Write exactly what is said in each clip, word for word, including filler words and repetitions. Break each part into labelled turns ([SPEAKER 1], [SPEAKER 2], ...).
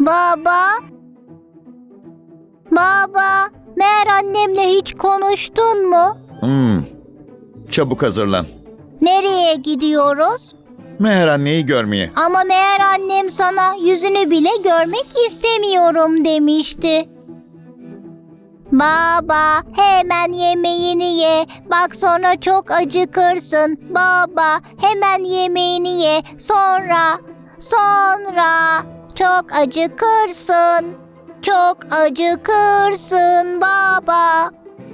[SPEAKER 1] Baba? Baba, meğer annemle hiç konuştun mu?
[SPEAKER 2] Hmm. Çabuk hazırlan.
[SPEAKER 1] Nereye gidiyoruz?
[SPEAKER 2] Meğer anneyi görmeye.
[SPEAKER 1] Ama meğer annem sana yüzünü bile görmek istemiyorum demişti. Baba, hemen yemeğini ye. Bak sonra çok acıkırsın. Baba, hemen yemeğini ye. Sonra, sonra çok acıkırsın. Çok acıkırsın baba.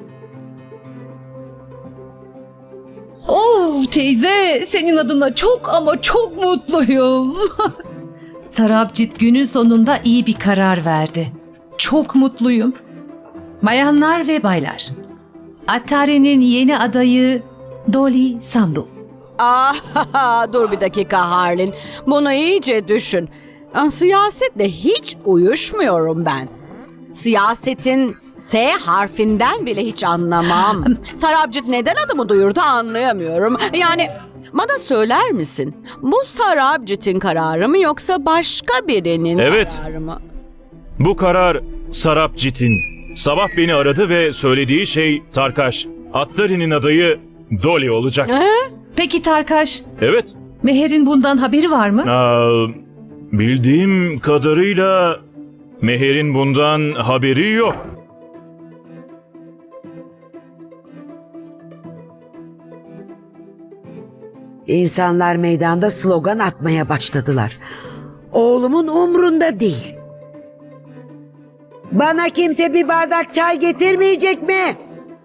[SPEAKER 3] Oh teyze, senin adına çok ama çok mutluyum. Sarabjit günün sonunda iyi bir karar verdi. Çok mutluyum. Bayanlar ve baylar, Attari'nin yeni adayı Dolly Sandu.
[SPEAKER 4] Ah, dur bir dakika Harlin. Bunu iyice düşün. Ah, siyasetle hiç uyuşmuyorum ben. Siyasetin S harfinden bile hiç anlamam. Sarabjit neden adımı duyurdu anlayamıyorum. Yani bana söyler misin? Bu Sarabjit'in kararı mı yoksa başka birinin
[SPEAKER 5] Evet.
[SPEAKER 4] kararı mı?
[SPEAKER 5] Bu karar Sarabjit'in. Sabah beni aradı ve söylediği şey Tarkaş. Attari'nin adayı Dolly olacak.
[SPEAKER 3] Peki Tarkaş,
[SPEAKER 5] Evet.
[SPEAKER 3] Meher'in bundan haberi var mı?
[SPEAKER 5] Aa, bildiğim kadarıyla Meher'in bundan haberi yok.
[SPEAKER 6] İnsanlar meydanda slogan atmaya başladılar. Oğlumun umrunda değil. Bana kimse bir bardak çay getirmeyecek mi?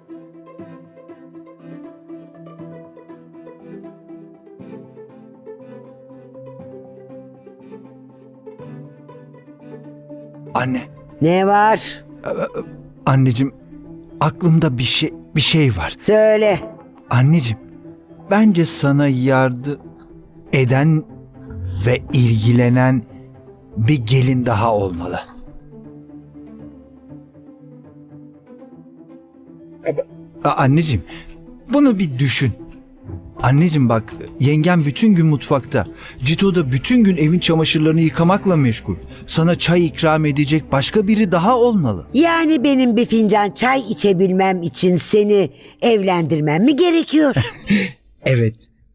[SPEAKER 7] Anne,
[SPEAKER 6] Ne var?
[SPEAKER 7] anneciğim, aklımda bir şey bir şey var.
[SPEAKER 6] Söyle.
[SPEAKER 7] Anneciğim, bence sana yardım eden ve ilgilenen bir gelin daha olmalı. A- Anneciğim, bunu bir düşün. Anneciğim bak, yengem bütün gün mutfakta. Cito da bütün gün evin çamaşırlarını yıkamakla meşgul. Sana çay ikram edecek başka biri daha olmalı.
[SPEAKER 6] Yani benim bir fincan çay içebilmem için seni evlendirmem mi gerekiyor?
[SPEAKER 7] Evet.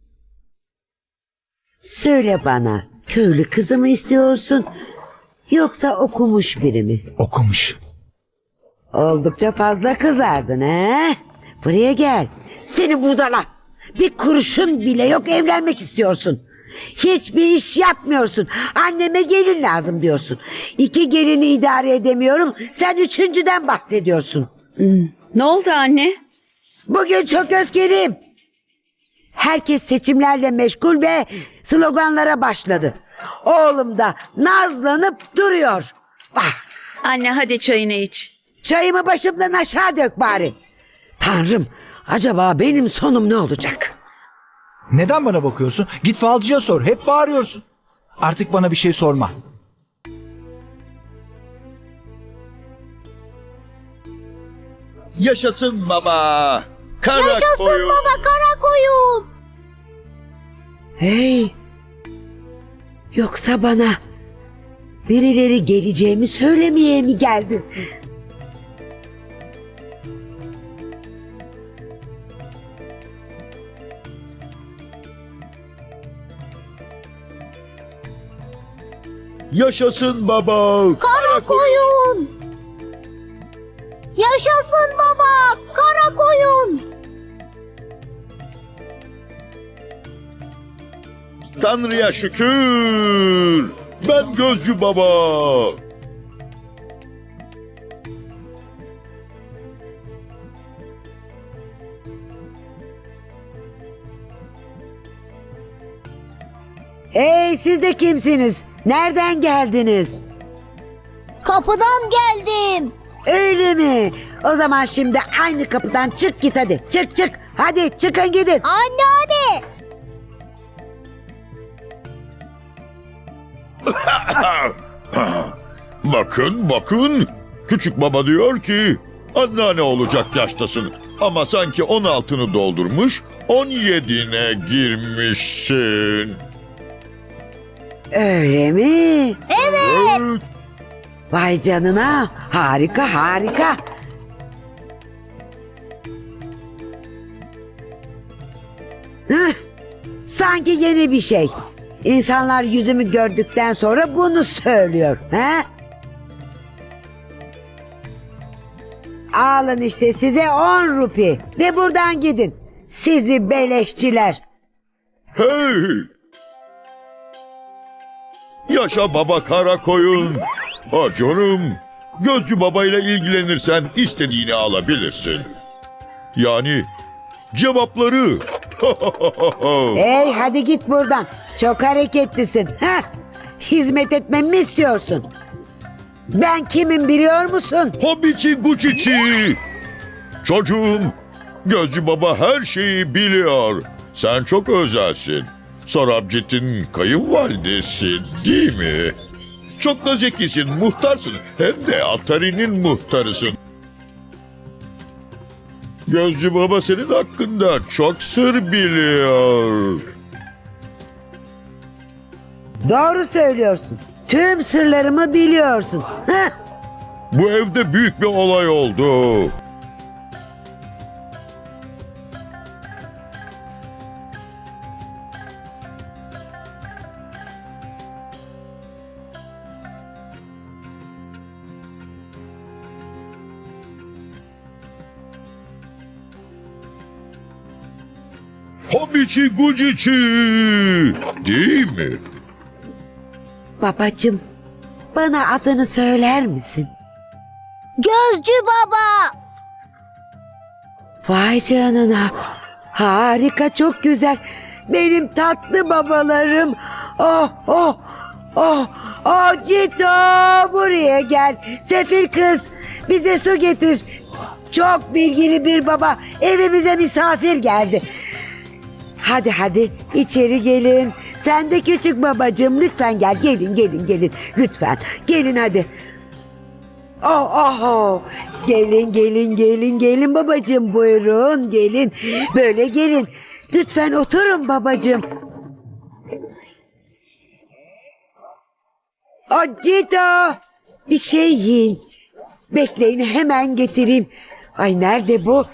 [SPEAKER 6] Söyle bana, köylü kızı mı istiyorsun yoksa okumuş biri mi?
[SPEAKER 7] Okumuş.
[SPEAKER 6] Oldukça fazla kızardın he? Buraya gel. Seni budala. Bir kuruşun bile yok, evlenmek istiyorsun. Hiçbir iş yapmıyorsun. Anneme gelin lazım diyorsun. İki gelini idare edemiyorum. Sen üçüncüden bahsediyorsun.
[SPEAKER 4] Ne oldu anne?
[SPEAKER 6] Bugün çok öfkeliyim. Herkes seçimlerle meşgul ve sloganlara başladı. Oğlum da nazlanıp duruyor. Ah,
[SPEAKER 8] Anne hadi çayını iç.
[SPEAKER 6] çayımı başımdan aşağı dök bari. Tanrım, acaba benim sonum ne olacak?
[SPEAKER 7] Neden bana bakıyorsun? Git falcıya sor. Hep bağırıyorsun. Artık bana bir şey sorma.
[SPEAKER 2] Yaşasın baba. Kara
[SPEAKER 1] Yaşasın
[SPEAKER 2] koyun.
[SPEAKER 1] baba, kara koyun.
[SPEAKER 6] Hey! Yoksa bana birileri geleceğimi söylemeye mi geldi?
[SPEAKER 2] Yaşasın baba.
[SPEAKER 1] Kara koyun. Yaşasın baba, kara koyun.
[SPEAKER 2] Tanrı'ya şükür. Ben gözcü baba.
[SPEAKER 6] Hey, siz de kimsiniz? Nereden geldiniz?
[SPEAKER 1] Kapıdan geldim.
[SPEAKER 6] Öyle mi? O zaman şimdi aynı kapıdan çık git hadi. Çık çık. Hadi çıkın gidin.
[SPEAKER 1] Anne hadi.
[SPEAKER 2] Bakın bakın. Küçük baba diyor ki anneanne olacak yaştasın. Ama sanki on altını doldurmuş on yedine girmişsin.
[SPEAKER 6] Öyle mi?
[SPEAKER 2] Evet.
[SPEAKER 6] Vay canına, harika harika. Hıh, sanki yeni bir şey. İnsanlar yüzümü gördükten sonra bunu söylüyor. He? Alın işte size on rupi ve buradan gidin. Sizi beleşçiler.
[SPEAKER 2] Hey! Yaşa baba kara koyun. Ha canım. Gözcü babayla ilgilenirsen istediğini alabilirsin. Yani cevapları.
[SPEAKER 6] Hey hadi git buradan. Çok hareketlisin. Heh. Hizmet etmemi istiyorsun? Ben kimim biliyor musun?
[SPEAKER 2] Hobici Gucici. Çocuğum, Gözcü baba her şeyi biliyor. Sen çok özelsin. Sarabcit'in kayınvalidesin değil mi? Çok da zekisin, muhtarsın. Hem de Atari'nin muhtarısın. Gözcü baba senin hakkında çok sır biliyor.
[SPEAKER 6] Doğru söylüyorsun. Tüm sırlarımı biliyorsun. Heh.
[SPEAKER 2] Bu evde büyük bir olay oldu. Hobici Gucici, değil mi?
[SPEAKER 6] Babacığım, bana adını söyler misin?
[SPEAKER 1] Gözcü baba.
[SPEAKER 6] Vay canına. Harika, çok güzel. Benim tatlı babalarım. Oh, oh, oh, oh Cito, buraya gel. Sefil kız, bize su getir. Çok bilgili bir baba evimize misafir geldi. Hadi hadi içeri gelin. Sen de küçük babacığım lütfen gel. Gelin gelin gelin lütfen. Gelin hadi. Oh oh oh. Gelin gelin gelin gelin babacığım, buyurun gelin. Böyle gelin. Lütfen oturun babacığım. Acito, bir şey yiyin. Bekleyin, hemen getireyim. Ay nerede bu?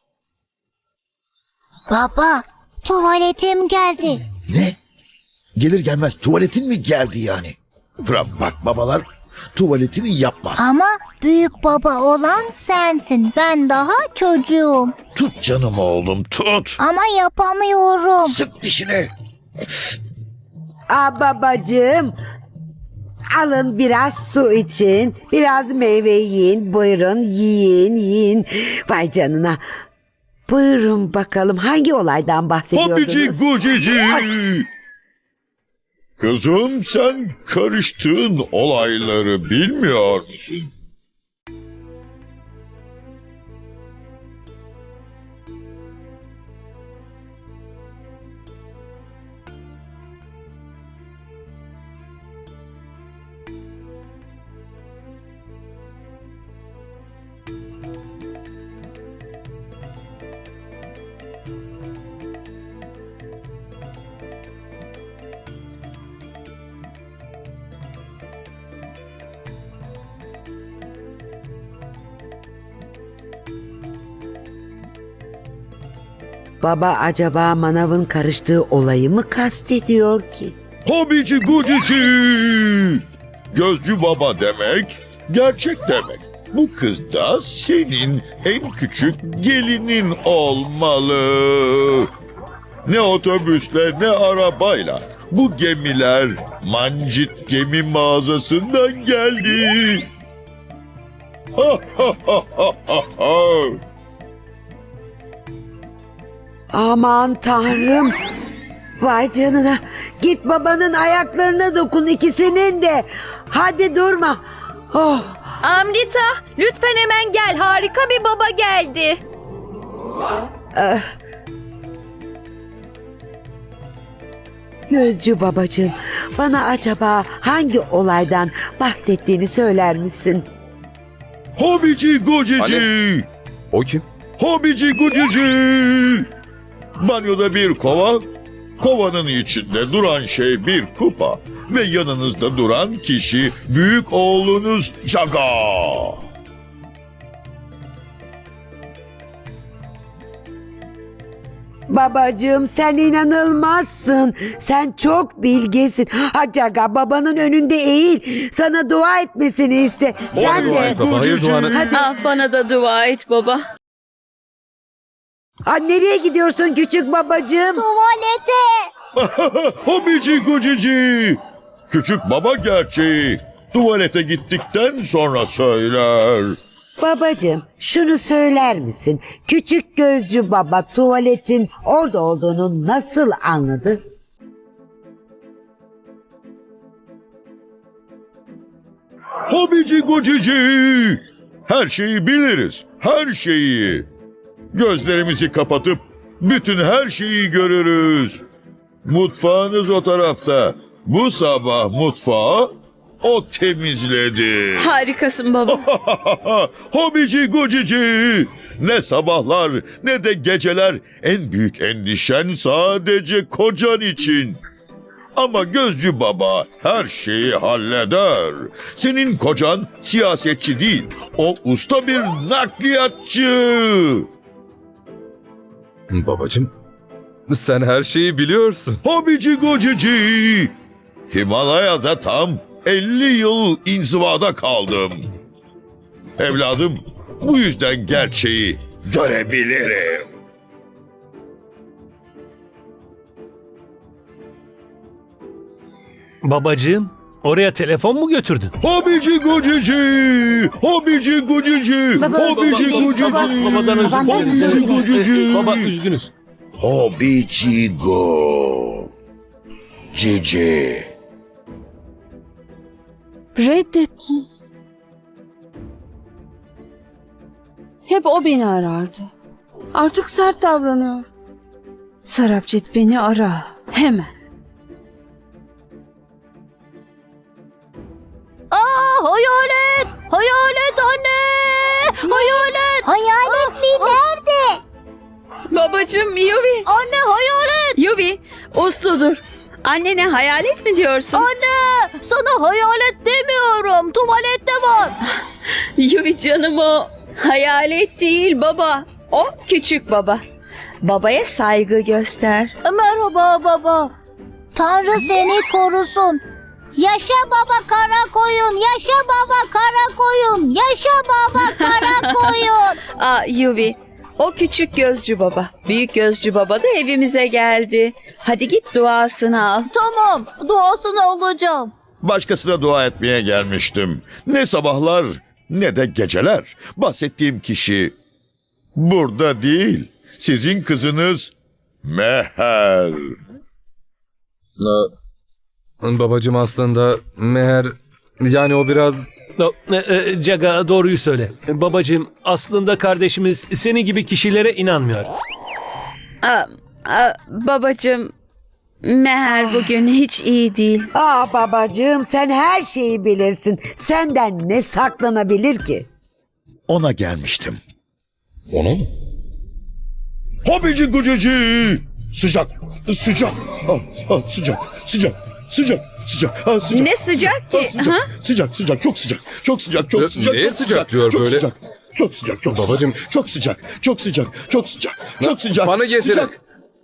[SPEAKER 1] Baba, tuvaletim geldi.
[SPEAKER 9] Ne? Gelir gelmez tuvaletin mi geldi yani? Bırak bak babalar tuvaletini yapmaz.
[SPEAKER 1] Ama büyük baba olan sensin. Ben daha çocuğum.
[SPEAKER 9] Tut canım oğlum tut.
[SPEAKER 1] Ama yapamıyorum.
[SPEAKER 9] Sık dişini.
[SPEAKER 6] Aa babacığım. Alın biraz su için. Biraz meyve yiyin. Buyurun yiyin yiyin. Vay canına. Buyurun bakalım hangi olaydan
[SPEAKER 2] Hobici
[SPEAKER 6] bahsediyordunuz?
[SPEAKER 2] Gucici. Kızım sen karıştığın olayları bilmiyor musun?
[SPEAKER 6] Baba acaba manavın karıştığı olayı mı kastediyor ki?
[SPEAKER 2] Hobici Gucici. Gözcü baba demek, gerçek demek. Bu kız da senin en küçük gelinin olmalı. Ne otobüsle ne arabayla. Bu gemiler Mancit Gemi Mağazası'ndan geldi. Ha ha ha ha ha ha.
[SPEAKER 6] Aman tanrım. Vay canına. Git babanın ayaklarına dokun, ikisinin de. Hadi durma. Oh.
[SPEAKER 8] Amrita, lütfen hemen gel. Harika bir baba geldi.
[SPEAKER 6] Gözcü babacığım, bana acaba hangi olaydan bahsettiğini söyler misin?
[SPEAKER 2] Hobici Gucici.
[SPEAKER 10] Ali. O kim?
[SPEAKER 2] Hobici Gucici. Banyoda bir kova, Kovanın içinde duran şey bir kupa ve yanınızda duran kişi büyük oğlunuz Jaga.
[SPEAKER 6] Babacığım sen inanılmazsın. Sen çok bilgesin. Hacaga babanın önünde eğil. Sana dua etmesini iste. Sen
[SPEAKER 2] dua
[SPEAKER 6] de.
[SPEAKER 2] et baba, hayır duanı.
[SPEAKER 6] Hadi.
[SPEAKER 4] Ah, bana da dua et baba.
[SPEAKER 6] Aa, nereye gidiyorsun küçük babacığım?
[SPEAKER 1] Tuvalete.
[SPEAKER 2] Hobici gucici. Küçük baba gerçeği tuvalete gittikten sonra söyler.
[SPEAKER 6] Babacığım şunu söyler misin? Küçük gözcü baba tuvaletin orada olduğunu nasıl anladı?
[SPEAKER 2] Hobici gucici. Her şeyi biliriz. Her şeyi. Gözlerimizi kapatıp bütün her şeyi görürüz. Mutfağınız o tarafta. Bu sabah mutfağı o temizledi.
[SPEAKER 4] Harikasın baba.
[SPEAKER 2] Hobici gucici. Ne sabahlar ne de geceler en büyük endişen sadece kocan için. Ama gözcü baba her şeyi halleder. Senin kocan siyasetçi değil. O usta bir nakliyatçı.
[SPEAKER 10] Babacım, sen her şeyi biliyorsun.
[SPEAKER 2] Hobici gucici. Himalaya'da tam elli yıl inzivada kaldım. Evladım, bu yüzden gerçeği görebilirim.
[SPEAKER 11] Babacığım, oraya telefon mu götürdün?
[SPEAKER 2] Hobici gucici. Hobici gucici. Hobici gucici.
[SPEAKER 11] Babadan özür
[SPEAKER 2] Hobici
[SPEAKER 11] dileriz.
[SPEAKER 2] gucici.
[SPEAKER 11] Baba üzgünüz.
[SPEAKER 9] Hobici go. Cici.
[SPEAKER 12] Reddetti. Hep o beni arardı. Artık sert davranıyor. Sarapcit beni ara. Hemen.
[SPEAKER 1] Aa, hayalet. Hayalet anne. Hayalet. Hayalet mi? Nerede?
[SPEAKER 4] Babacım Yuvi.
[SPEAKER 1] Anne hayalet.
[SPEAKER 4] Yuvi, uslu dur. Annene hayalet mi diyorsun?
[SPEAKER 1] Anne sana hayalet demiyorum. Tuvalette var.
[SPEAKER 4] Yuvi canım, o hayalet değil baba. O küçük baba. Babaya saygı göster.
[SPEAKER 1] Merhaba baba. Tanrı seni korusun. Yaşa baba kara koyun. Yaşa baba kara koyun. Yaşa baba kara koyun.
[SPEAKER 4] Aa Yuvi, o küçük gözcü baba. Büyük gözcü baba da evimize geldi. Hadi git duasını al.
[SPEAKER 1] Tamam, duasını alacağım.
[SPEAKER 2] Başkasına dua etmeye gelmiştim. Ne sabahlar ne de geceler. Bahsettiğim kişi burada değil. Sizin kızınız Meher.
[SPEAKER 10] Babacım aslında Meher, yani o biraz...
[SPEAKER 11] No, e, e, Caga doğruyu söyle. E, Babacığım, aslında kardeşimiz senin gibi kişilere inanmıyor.
[SPEAKER 4] Aa, aa, babacığım, Meher bugün hiç iyi değil.
[SPEAKER 6] Aa babacığım sen her şeyi bilirsin. Senden ne saklanabilir ki?
[SPEAKER 2] Ona gelmiştim.
[SPEAKER 10] Ona mı?
[SPEAKER 2] Hobici gucici. Sıcak, sıcak. Ah, ah, sıcak, sıcak, sıcak, sıcak. Ah, sıcak.
[SPEAKER 4] Ne sıcak ki?
[SPEAKER 2] Ah, sıcak,
[SPEAKER 4] Ha?
[SPEAKER 2] sıcak, sıcak, çok sıcak, çok sıcak, çok
[SPEAKER 10] Ne-
[SPEAKER 2] sıcak.
[SPEAKER 10] neye
[SPEAKER 2] çok
[SPEAKER 10] sıcak diyor
[SPEAKER 2] çok
[SPEAKER 10] böyle?
[SPEAKER 2] Sıcak, çok sıcak, çok
[SPEAKER 10] Babacım.
[SPEAKER 2] sıcak. Çok sıcak, çok sıcak, çok sıcak, çok sıcak.
[SPEAKER 10] Bana getirin.
[SPEAKER 2] Sıcak.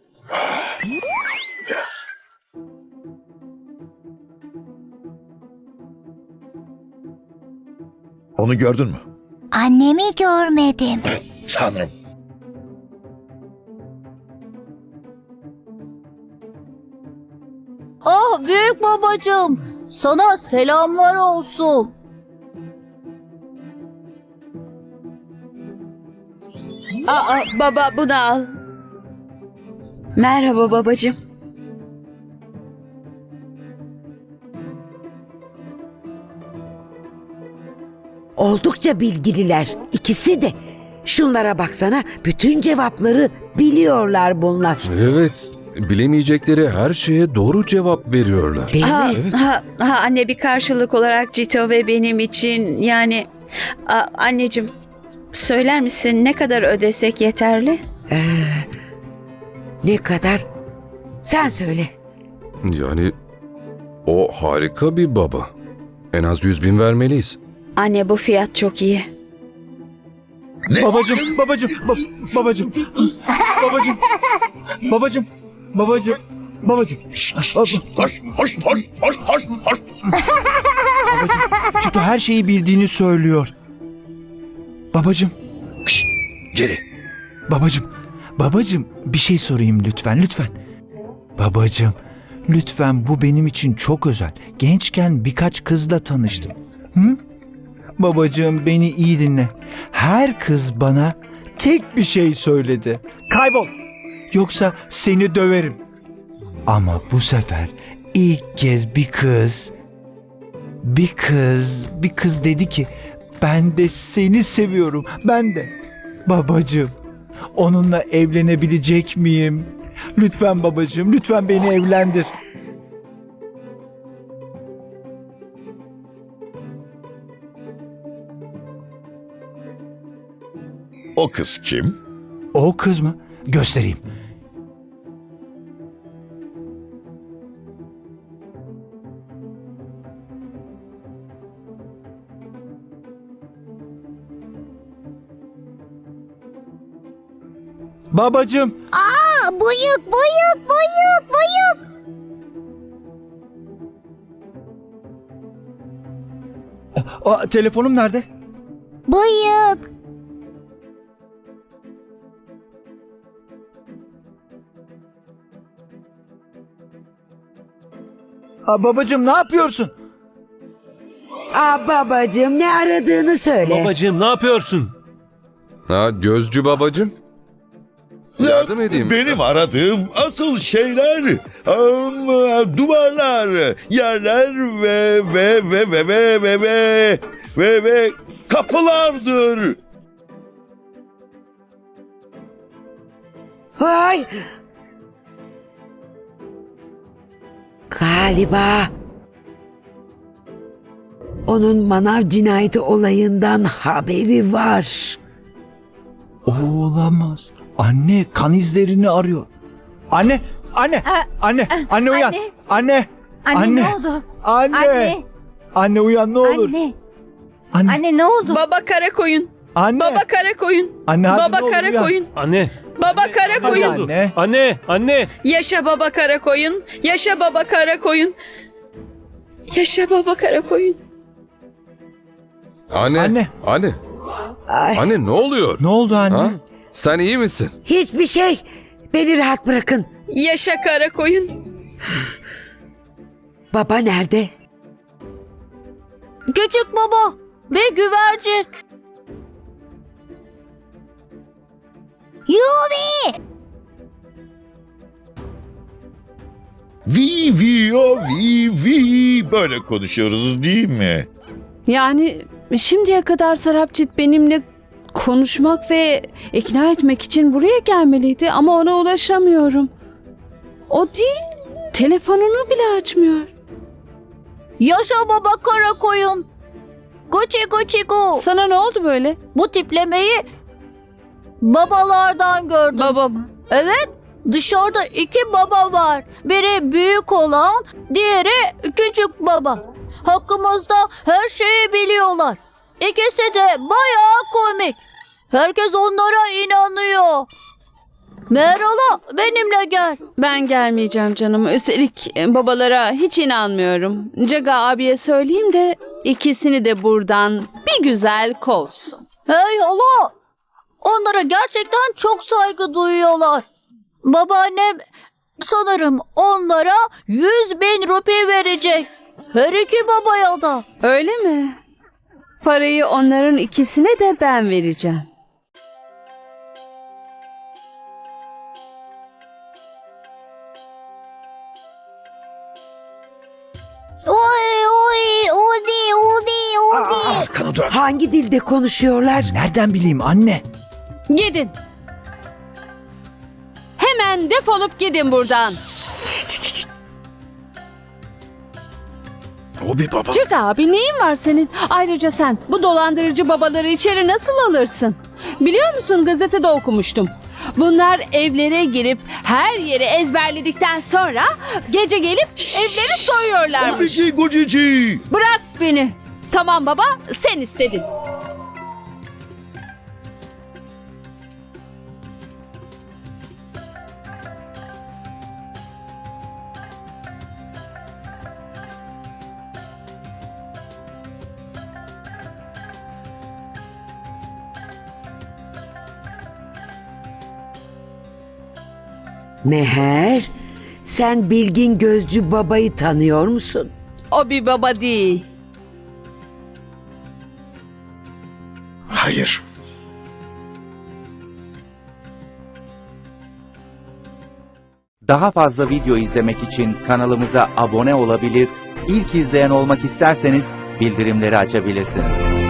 [SPEAKER 2] Onu gördün mü?
[SPEAKER 1] Annemi görmedim.
[SPEAKER 2] Tanrım.
[SPEAKER 1] Ah büyük babacığım. Sana selamlar olsun.
[SPEAKER 4] Aa, baba bunu al. Merhaba babacığım.
[SPEAKER 6] Oldukça bilgililer. İkisi de. Şunlara baksana. Bütün cevapları biliyorlar bunlar.
[SPEAKER 10] Evet, bilemeyecekleri her şeye doğru cevap veriyorlar.
[SPEAKER 6] Değil
[SPEAKER 4] Ha,
[SPEAKER 6] mi?
[SPEAKER 4] ha, ha, anne bir karşılık olarak Cito ve benim için yani a, anneciğim söyler misin ne kadar ödesek yeterli?
[SPEAKER 6] Ne kadar? Sen söyle.
[SPEAKER 10] Yani o harika bir baba. En az yüz bin vermeliyiz.
[SPEAKER 12] Anne bu fiyat çok iyi.
[SPEAKER 7] Babacım, babacım, ba- babacım, babacım, babacım, babacım, babacım. Şşş,
[SPEAKER 2] Hoş, hoş, hoş, hoş, hoş, hoş, hoş.
[SPEAKER 7] Çito her şeyi bildiğini söylüyor. Babacım,
[SPEAKER 9] Şşt, geri.
[SPEAKER 7] babacım, babacım bir şey sorayım lütfen, lütfen. Babacım, lütfen bu benim için çok özel. Gençken birkaç kızla tanıştım. Hı? Babacığım beni iyi dinle. Her kız bana tek bir şey söyledi. Kaybol. Yoksa seni döverim. Ama bu sefer ilk kez bir kız, bir kız, bir kız dedi ki ben de seni seviyorum. Ben de. Babacığım, onunla evlenebilecek miyim? Lütfen babacığım, lütfen beni evlendir.
[SPEAKER 2] O kız kim?
[SPEAKER 7] O kız mı? Göstereyim. Babacığım.
[SPEAKER 1] Aa, bıyık, bıyık, bıyık, bıyık.
[SPEAKER 7] Aa, telefonum nerede?
[SPEAKER 1] Bıyık.
[SPEAKER 7] Aa, babacığım ne yapıyorsun?
[SPEAKER 6] Aa babacığım ne aradığını söyle.
[SPEAKER 11] Babacığım ne yapıyorsun?
[SPEAKER 10] Ha gözcü babacığım. Yardım edeyim.
[SPEAKER 2] Benim aradığım asıl şeyler am, duvarlar, yerler ve ve ve ve ve ve ve ve ve kapılardır.
[SPEAKER 6] Hay. Galiba onun manav cinayeti olayından haberi var.
[SPEAKER 7] Olamaz. Anne kan izlerini arıyor. Anne, anne, anne, anne uyan. Anne,
[SPEAKER 1] Anne, ne oldu?
[SPEAKER 7] Anne,
[SPEAKER 1] Anne.
[SPEAKER 7] anne uyan ne olur.
[SPEAKER 1] Anne.
[SPEAKER 7] Anne,
[SPEAKER 1] Anne ne oldu?
[SPEAKER 8] Baba Karakoyun.
[SPEAKER 7] anne,
[SPEAKER 8] Baba Karakoyun.
[SPEAKER 7] anne hadi ne
[SPEAKER 8] Baba
[SPEAKER 7] olur uyan.
[SPEAKER 8] Karakoyun.
[SPEAKER 11] Anne.
[SPEAKER 8] Baba
[SPEAKER 7] Hadi
[SPEAKER 8] Karakoyun.
[SPEAKER 7] anne.
[SPEAKER 11] Anne, anne.
[SPEAKER 8] Yaşa Baba Karakoyun. Yaşa Baba Karakoyun. Yaşa Baba Karakoyun.
[SPEAKER 10] Anne.
[SPEAKER 7] Anne.
[SPEAKER 10] Anne.
[SPEAKER 6] Ay,
[SPEAKER 10] Anne ne oluyor?
[SPEAKER 7] Ne oldu anne?
[SPEAKER 10] Ha? Sen iyi misin?
[SPEAKER 6] hiçbir şey. Beni rahat bırakın.
[SPEAKER 8] Yaşa Karakoyun.
[SPEAKER 6] Baba nerede?
[SPEAKER 1] Küçük baba ve güvercin. Yuvi!
[SPEAKER 2] Vi vi o vi vi böyle konuşuyoruz değil mi?
[SPEAKER 12] Yani şimdiye kadar Sarapcit benimle konuşmak ve ikna etmek için buraya gelmeliydi ama ona ulaşamıyorum. O değil, telefonunu bile açmıyor.
[SPEAKER 1] Yaşa baba Karakoyun. Gucci gucci gu.
[SPEAKER 12] Sana ne oldu böyle?
[SPEAKER 1] Bu tiplemeyi babalardan gördüm.
[SPEAKER 12] Baba mı?
[SPEAKER 1] Evet, dışarıda iki baba var. Biri büyük olan, diğeri küçük baba. Hakkımızda her şeyi biliyorlar. İkisi de bayağı komik. Herkes onlara inanıyor. Meral'a benimle gel.
[SPEAKER 12] Ben gelmeyeceğim canım. Üstelik babalara hiç inanmıyorum. Caga abiye söyleyeyim de ikisini de buradan bir güzel kovsun.
[SPEAKER 1] Hey hala, onlara gerçekten çok saygı duyuyorlar. Babaannem sanırım onlara yüz bin rupi verecek. Her iki babaya da.
[SPEAKER 12] Öyle mi? Parayı onların ikisine de ben vereceğim.
[SPEAKER 1] Oy oy udi udi udi.
[SPEAKER 6] Aa,
[SPEAKER 9] Kanı dön.
[SPEAKER 6] hangi dilde konuşuyorlar?
[SPEAKER 7] Nereden bileyim anne?
[SPEAKER 12] Gidin. Hemen defolup gidin buradan.
[SPEAKER 9] O bir baba.
[SPEAKER 12] Çık abi, neyin var senin? Ayrıca sen bu dolandırıcı babaları içeri nasıl alırsın? Biliyor musun, gazetede okumuştum. Bunlar evlere girip her yeri ezberledikten sonra gece gelip evleri soyuyorlarmış.
[SPEAKER 2] Gucici gucici.
[SPEAKER 12] Bırak beni. Tamam baba, sen istedin.
[SPEAKER 6] Meher, sen bilgin gözcü babayı tanıyor musun?
[SPEAKER 12] O bir baba değil.
[SPEAKER 9] Hayır.
[SPEAKER 13] Daha fazla video izlemek için kanalımıza abone olabilir, ilk izleyen olmak isterseniz bildirimleri açabilirsiniz.